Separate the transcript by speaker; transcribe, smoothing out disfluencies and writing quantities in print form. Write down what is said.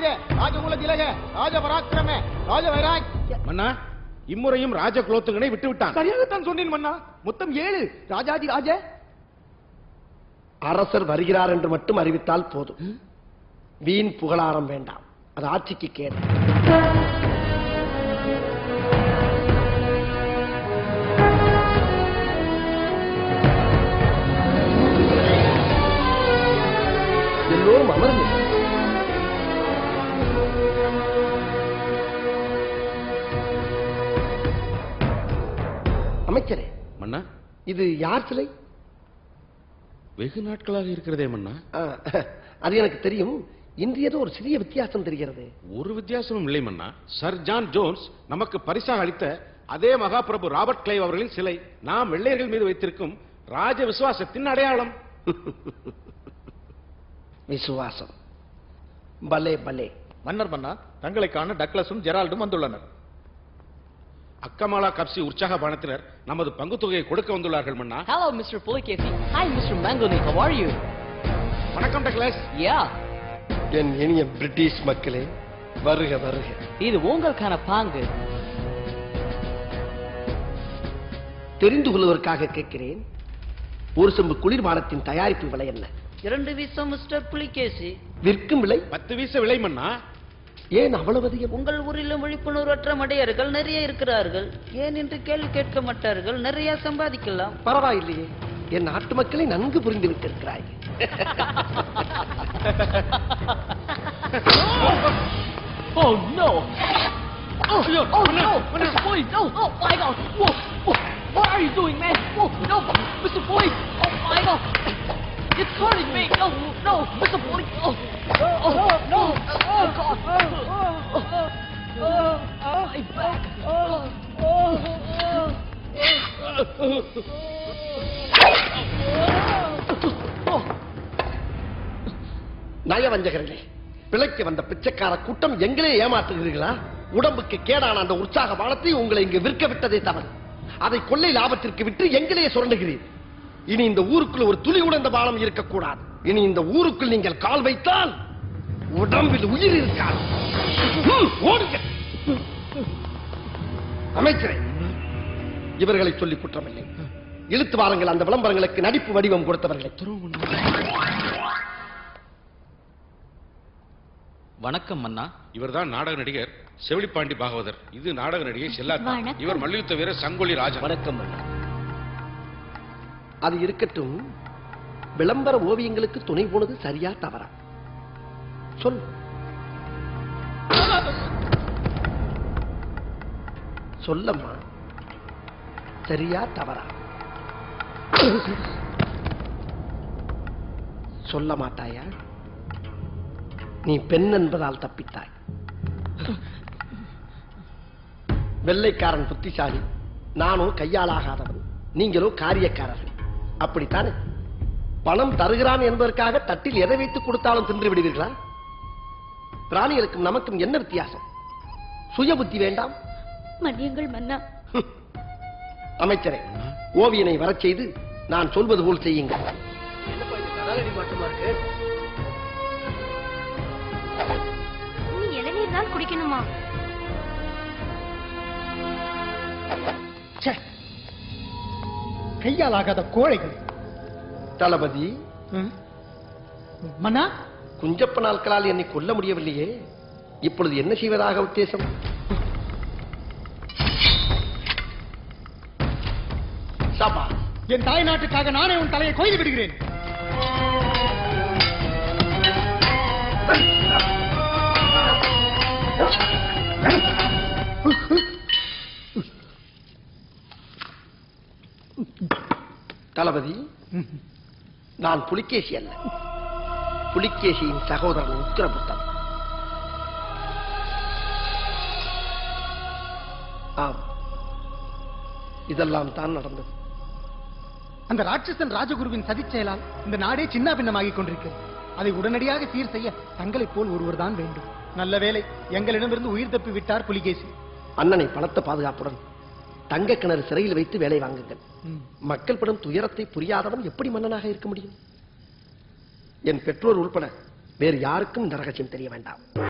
Speaker 1: ராஜகுல திலக ராஜ பராக்கிரம ராஜ வைராக்.
Speaker 2: மன்னா, இம்முறையும் ராஜ குலோத்துங்கனை விட்டு விட்டான்.
Speaker 1: சரியாகத்தான் சொன்னேன் மன்னா. மொத்தம் 7 ராஜாதி ராஜ.
Speaker 3: அரசர் வருகிறார் என்று மட்டும் அறிவித்தால் போதும். வீண் புகழாரம் வேண்டாம், அது ஆட்சிக்கு கேடு. எல்லோரும் அமர்ந்து அமைச்சரே.
Speaker 2: மன்னா,
Speaker 3: இது யார் சிலை?
Speaker 2: வெகு நாட்களாக இருக்கிறதே மன்னா.
Speaker 3: அது எனக்கு தெரியும். இன்று ஏதோ ஒரு சிறிய வித்தியாசம் தெரிகிறது.
Speaker 2: ஒரு வித்தியாசமும் இல்லை மன்னா. சர் ஜான் ஜோன்ஸ் நமக்கு பரிசாக அளித்த அதே மகாபிரபு ராபர்ட் கிளைவ் அவர்களின் சிலை நாம் வெள்ளையர்கள் மீது வைத்திருக்கும் ராஜ விசுவாசத்தின் அடையாளம்.
Speaker 3: விசுவாசம். பலே பலே.
Speaker 1: மன்னர் மன்னா, தங்களை காண டக்ளஸும் ஜெரால்டும் வந்துள்ளனர்.
Speaker 2: அக்கமாலா கப்சி உற்சாக பானத்தினர் நமது பங்கு தொகையை கொடுக்க வந்துள்ளார்கள் மன்னா.
Speaker 4: Hello, Mr. Pulikesi. Hi, Mr. Mangoni. How are you?
Speaker 2: வணக்கம் டக்ளஸ்.
Speaker 4: Yeah.
Speaker 3: என் இனிய பிரிட்டிஷ் மக்களே, வருக வருக.
Speaker 4: இது உங்களுக்கான பாங்கு.
Speaker 3: தெரிந்து கொள்வதற்காக கேட்கிறேன், ஒரு செம்பு குளிர்பானத்தின் தயாரிப்பு விலை என்ன?
Speaker 5: 2 வீசம் மிஸ்டர் புலிகேசி.
Speaker 3: விற்கும் விலை
Speaker 2: 10 வீச விலை மன்னா.
Speaker 3: ஏன் அவ்வளவு அதிகம்?
Speaker 5: உங்கள் ஊரிலும் விழிப்புணர்வற்ற மடையர்கள் நிறைய இருக்கிறார்கள். ஏன் என்று கேள்வி கேட்க மாட்டார்கள். நிறைய சம்பாதிக்கலாம்.
Speaker 3: பரவாயில்லையே, என் நாட்டு மக்களை நன்கு புரிந்து விட்டிருக்கிறாய்.
Speaker 4: Oh no! Oh no! Mr. Boyd, no! Oh my God! Whoa! Whoa! What are you doing, man? Whoa! No! Mr. Boyd! Oh my God! It's hurting me! No! No! Mr. Boyd! Oh! Oh no! Oh God! My back!
Speaker 3: நயவஞ்சகர்களே, பிழைக்க வந்த பிச்சைக்கார கூட்டம் எங்களே ஏமாற்றுகிறீர்களா? உடம்புக்கு கேடான அந்த உற்சாக பானத்தை உங்களை இங்கு விற்க விட்டதே தவறு. அதை கொள்ளை லாபத்திற்கு விட்டு எங்களே சுரண்டுகிறீர். இனி இந்த ஊருக்குள் ஒரு துளி உடைந்த பானம் இருக்கக்கூடாது. இனி இந்த ஊருக்குள் நீங்கள் கால் வைத்தால் உடம்பில் உயிர் இருக்காது. ஓடுங்க. அமைச்சரே, இவர்களை சொல்லி குற்றமில்லை. இழுத்து வாருங்கள் அந்த விளம்பரங்களுக்கு நடிப்பு வடிவம் கொடுத்தவர்களை.
Speaker 4: வணக்கம் மன்னா.
Speaker 2: இவர்தான் நாடக நடிகர் செவிலிப்பாண்டி பாகவதர். இது நாடக நடிகை செல்லாத்தா. இவர் மல்யுத்த வீரர் சங்கொலி ராஜா.
Speaker 3: வணக்கம். அது இருக்கட்டும், விளம்பர ஓவியங்களுக்கு துணை போனது சரியா தவறா? சொல். சொல்லம்மா, சரியா தவறா? சொல்ல மாட்டாயா? நீ பெண் என்பதால் தப்பித்தாய். வெள்ளைக்காரன் புத்திசாலி, நானோ கையாலாகாதவன், நீங்களோ காரியக்காரர்கள். அப்படித்தானே? பணம் தருகிறான் என்பதற்காக தட்டில் எதை வைத்து கொடுத்தாலும் தின்று விடுவீர்களா? பிராணிகளுக்கும் நமக்கும் என்ன வித்தியாசம்? சுய புத்தி வேண்டாம்?
Speaker 6: மன்னியுங்கள் மன்னா.
Speaker 3: அமைச்சரே, ஓவியனை வரச் செய்து நான் சொல்வது போல் செய்யுங்கள்.
Speaker 6: நீ இளநீர் தான் குடிக்கணுமா?
Speaker 1: கையாலாகாத கோழைகள்.
Speaker 3: தளபதி
Speaker 1: மன்னா,
Speaker 3: குஞ்சப்ப நாட்களால் என்னை கொல்ல முடியவில்லையே, இப்பொழுது என்ன செய்வதாக உத்தேசம்? சபா,
Speaker 1: என் தாய் நாட்டுக்காக நானே உன் தலையை கொய்து விடுகிறேன்.
Speaker 3: தளபதி, நான் புலிகேசி அல்ல, புலிகேசியின் சகோதரன் உத்திரபுத்தன். ஆம், இதெல்லாம் தான் நடந்தது.
Speaker 1: அந்த ராட்சசன் ராஜகுருவின் சதிச் செயலால் இந்த நாடே சின்ன பின்னமாகிக் கொண்டிருக்கிறது. அதை உடனடியாக சீர் செய்ய தங்களைப் போல் ஒருவர் தான் வேண்டும். நல்ல வேளை எங்களிடமிருந்து உயிர் தப்பி விட்டார் புலிகேசி.
Speaker 3: அண்ணனை பலத்த பாதுகாப்புடன் தங்க கிணறு சிறையில் வைத்து வேலை வாங்குங்கள். மக்கள் படும் துயரத்தை புரியாதவன் எப்படி மன்னனாக இருக்க முடியும்? என் பெற்றோர் உள்பட வேறு யாருக்கும் இந்த ரகசியம் தெரிய வேண்டாம்.